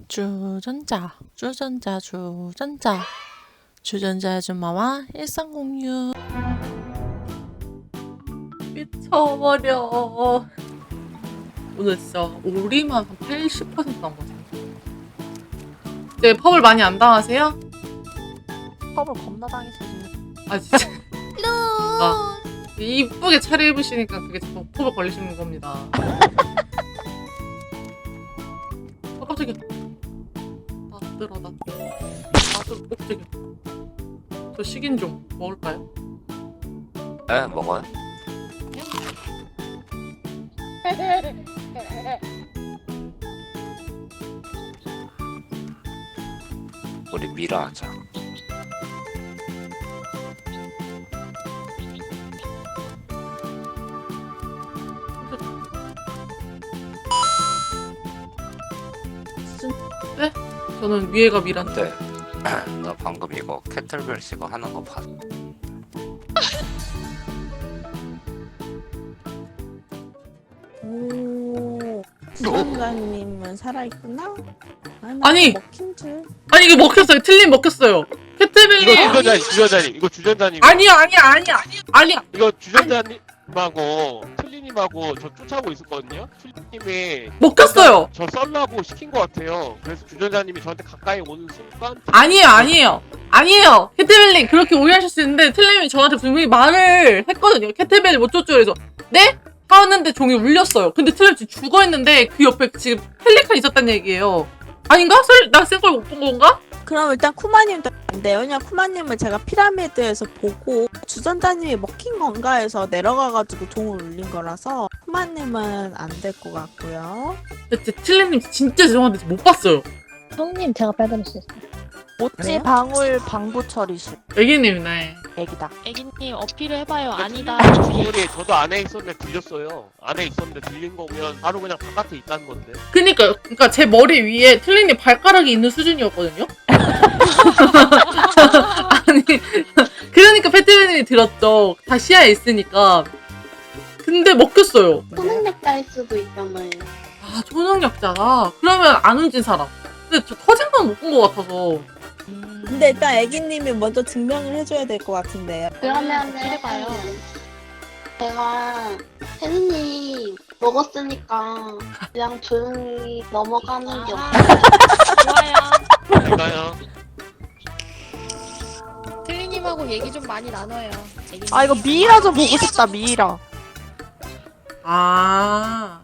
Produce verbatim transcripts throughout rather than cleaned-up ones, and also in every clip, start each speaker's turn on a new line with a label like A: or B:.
A: 주전자, 주전자, 주전자, 주전자 아줌마와 일상 공유. 미쳐버려. 오늘 진짜 오리만 한 팔십 퍼센트 나온 것 같아요. 네, 펍을 많이 안 당하세요?
B: 펍을 겁나 당했어.
A: 아 진짜. 아, 이쁘게 차려입으시니까 그게 자꾸 펍을 걸리시는 겁니다. 아 깜짝이야. 나 들어 나. 아 저, 어, 깜짝이야. 저 식인 종 먹을까요?
C: 네, 먹어요. 우리 미라 하자.
A: 네? 저는 위에가 미란데.
C: 네. 나 방금 이거 캐틀벨 씨가 하는 거 봤어.
B: 오, 주전자님은 살아있구나?
A: 아니!
B: 먹힌 줄.
A: 아니 이게 먹혔어요. 틀린 먹혔어요. 캐트벨.
D: 이거 주전자님, 주전자님, 이거 주전자님.
A: 아니야 아니야 아니야 아니야.
D: 이거 주전자님하고 틀리님하고 저 쫓아오고 있었거든요. 틀리님이
A: 먹혔어요.
D: 저 썰라고 시킨 것 같아요. 그래서 주전자님이 저한테 가까이 오는 순간
A: 아니에요 아니에요 아니에요. 캐트벨님 그렇게 오해하실 수 있는데 틀림이 저한테 분명히 말을 했거든요. 캐트벨 못 쫓죠. 그래서 네? 하는데 종이 울렸어요. 근데 틀림 지금 죽어있는데 그 옆에 지금 펠리칸 있었단 얘기예요. 아닌가? 설, 나 센 걸 못 본 건가?
B: 그럼 일단 쿠마님도 안 돼요. 왜냐면 쿠마님을 제가 피라미드에서 보고 주전자님이 먹힌 건가 해서 내려가가지고 종을 울린 거라서 쿠마님은 안 될 것 같고요.
A: 근데 틀림님 진짜 죄송한데 못 봤어요.
E: 형님 제가 빼드릴 수 있어요.
B: 모찌
E: 그래요?
B: 방울 방부 처리실
A: 애기님이네.
B: 애기다.
F: 애기님 어필을 해봐요. 아니다.
D: 소리 저도 안에 있었는데 들렸어요. 안에 있었는데 들린 거면 바로 그냥 바깥에 있다는 건데.
A: 그니까요. 그니까 제 머리 위에 틀림님 발가락이 있는 수준이었거든요. 아니 그러니까 패트맨님이 들었죠. 다 시야에 있으니까. 근데 먹혔어요.
G: 초능력자일 수도 있잖아요.
A: 아 초능력자가? 그러면 안 움진 사람. 근데 저 터진 건 못 본 것 같아서.
B: 근데 일단 애기님이 먼저 증명을 해줘야 될 것 같은데요.
G: 그러면은
F: 해봐요.
G: 제가 혜진님 먹었으니까 그냥 조용히 넘어가는 게
F: 아,
G: 어때요?
F: 좋아요.
D: 제가요.
F: 틀리님하고 얘기 좀 많이 나눠요. 애기님.
B: 아 이거 미이라 좀 보고 싶다. 미이라.
A: 아.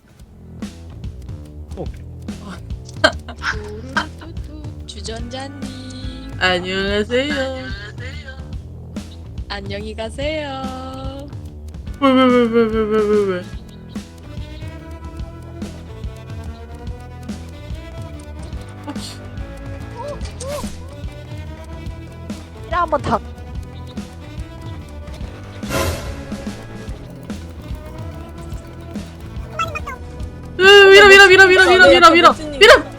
F: 뚜루뚜뚜, 주전자님
A: 안녕하세요.
F: 안녕히 가세요.
A: 왜 왜 왜 왜 왜 왜 왜 왜? 아씨.
B: 미이라 한번 다.
A: 밀어 밀어 밀어 밀어 밀어 밀어 밀어 밀어.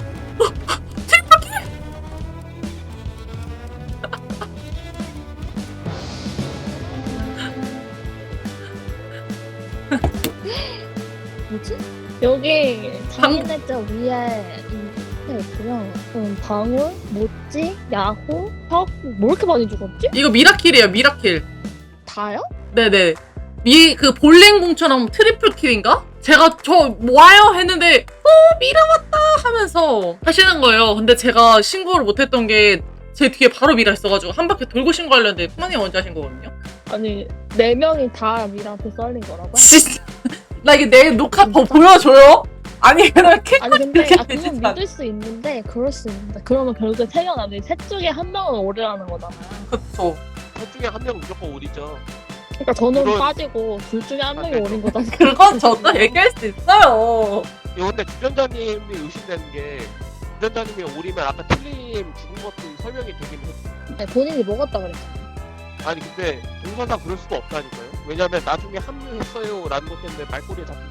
E: 뭐지? 여기 장인의자 위에 이 있고요. 그럼 방울, 모찌, 야호, 턱, 뭐 이렇게 많이 죽었지?
A: 이거 미라킬이에요. 미라킬.
E: 다요?
A: 네네. 미 그 볼링공처럼 트리플 킬인가? 제가 저 와요 했는데 어 미라 왔다 하면서 하시는 거예요. 근데 제가 신고를 못했던 게 제 뒤에 바로 미라 있어가지고 한 바퀴 돌고 신고하려는데 쿠마님 먼저 하신 거거든요.
E: 아니 네 명이 다 미라한테 썰린 거라고요?
A: 진짜 나 이게 내 녹화 더 보여줘요? 아니 이렇게
E: 아니 근데
A: 그렇게
E: 아, 그건
A: 되진 않-
E: 믿을 수 있는데 그럴 수 있는데 그러면 결국에 세 명 안에 셋 중에 한 명은 오래라는 거잖아요.
A: 그쵸.
D: 셋 중에 한 명 무조건 오리죠.
E: 그러니까 저는
D: 그건-
E: 빠지고 둘 중에 한 명이
D: 아,
E: 오린 거잖아요.
A: 그건 저도 얘기할 수 있어요.
D: 이거 근데 주전자님이 의심되는 게 주전자님이 오리면 아까 틀림 죽은 것도 설명이 되긴 했어.
E: 네, 본인이 먹었다 그랬잖아요.
D: 아니 근데 동선상 그럴 수가 없다니까요. 왜냐면 나중에 합류했어요 라는 것 때문에 말꼬리에 잡힌.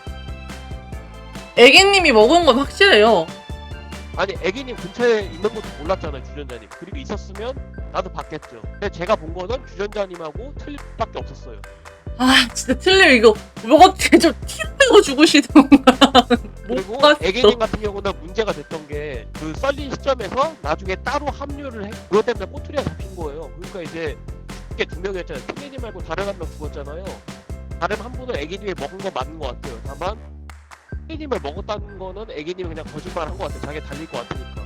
A: 애기님이 먹은 건 확실해요.
D: 아니 애기님 근처에 있는 것도 몰랐잖아요 주전자님. 그리고 있었으면 나도 봤겠죠. 근데 제가 본 거는 주전자님하고 틀림밖에 없었어요.
A: 아 진짜 틀려 이거 먹었지 좀 티내고 죽으시던가.
D: 그리고
A: 봤어.
D: 애기님 같은 경우는 문제가 됐던 게 이제 그 썰린 시점에서 나중에 따로 합류를 해. 그것 때문에 꼬투리가 잡힌 거예요. 그러니까 이제 이게 두 명이었잖아요. 틀리니 말고 다른 한 명 죽었잖아요. 다른 한 분은 애기님이 먹은 거 맞는 것 같아요. 다만 틀리님을 먹었다는 거는 애기님이 그냥 거짓말 한 것 같아요. 자기 달릴 것 같으니까.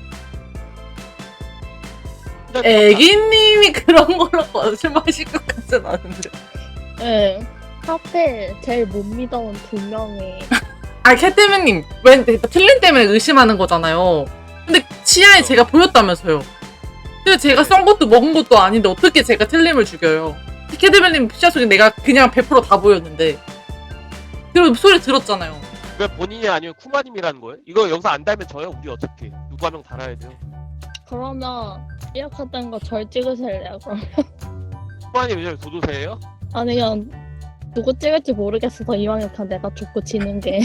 D: 진짜
A: 애기님이 그런 걸로 거짓말하실 것 같진 않은데.
E: 네. 하필 제일 못 믿어온 두 명이
A: 아, 캣데미님, 왜 틀린 때문에 의심하는 거잖아요. 근데 치아에 제가 보였다면서요. 근데 제가 썬 것도 먹은 것도 아닌데 어떻게 제가 틀림을 죽여요? 캣데미님 치아 속에 내가 그냥 백 퍼센트 다 보였는데. 그리고 소리 들었잖아요.
D: 왜 본인이 아니면 쿠마님이라는 거예요? 이거 영상 안 달면 저요? 우리 어떻게? 누구 한 명 달아야 돼요?
E: 그러면 이렇게된 거 절 찍으실래요? 그럼
D: 쿠마님 왜 도도새예요?
E: 아니 그냥 누구 찍을지 모르겠어서 이왕에 다 내가 죽고 지는 게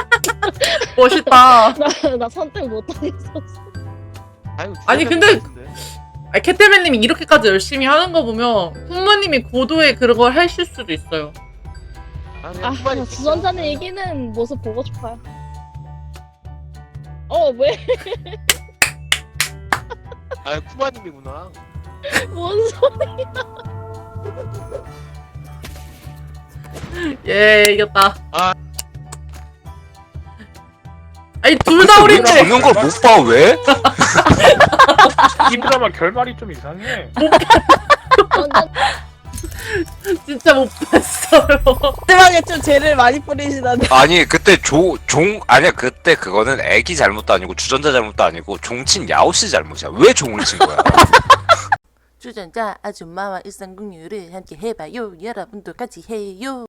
A: 멋있다.
E: 나, 나 선택 못하겠었어.
D: 아니,
A: 아니, 근데- 아, 캣데미님이 이렇게까지 열심히 하는 거 보면 부모님이 고도의 그런 걸 하실 수도 있어요.
D: 아,
E: 아,
D: 쿠마님
E: 주전자는 이기는 모습 보고 싶어요. 어, 왜?
D: 아, 쿠마님이구나.
E: 뭔 소리?
A: 예, 이겼다.
D: 아.
A: 아니, 둘 다
C: 왜
A: 우린데.
C: 죽는 걸 못 봐, 왜?
H: 이 드라마 결말이 좀 이상해.
E: 완전
A: 진짜 못 봤어요.
B: 마지막에 좀 죄를 많이 뿌리시던데.
C: 아니, 그때 조, 종, 아니야, 그때 그거는 애기 잘못도 아니고 주전자 잘못도 아니고 종친 야오씨 잘못이야. 왜 종을 친 거야?
I: 주전자 아줌마와 일상공유를 함께 해봐요. 여러분도 같이 해요.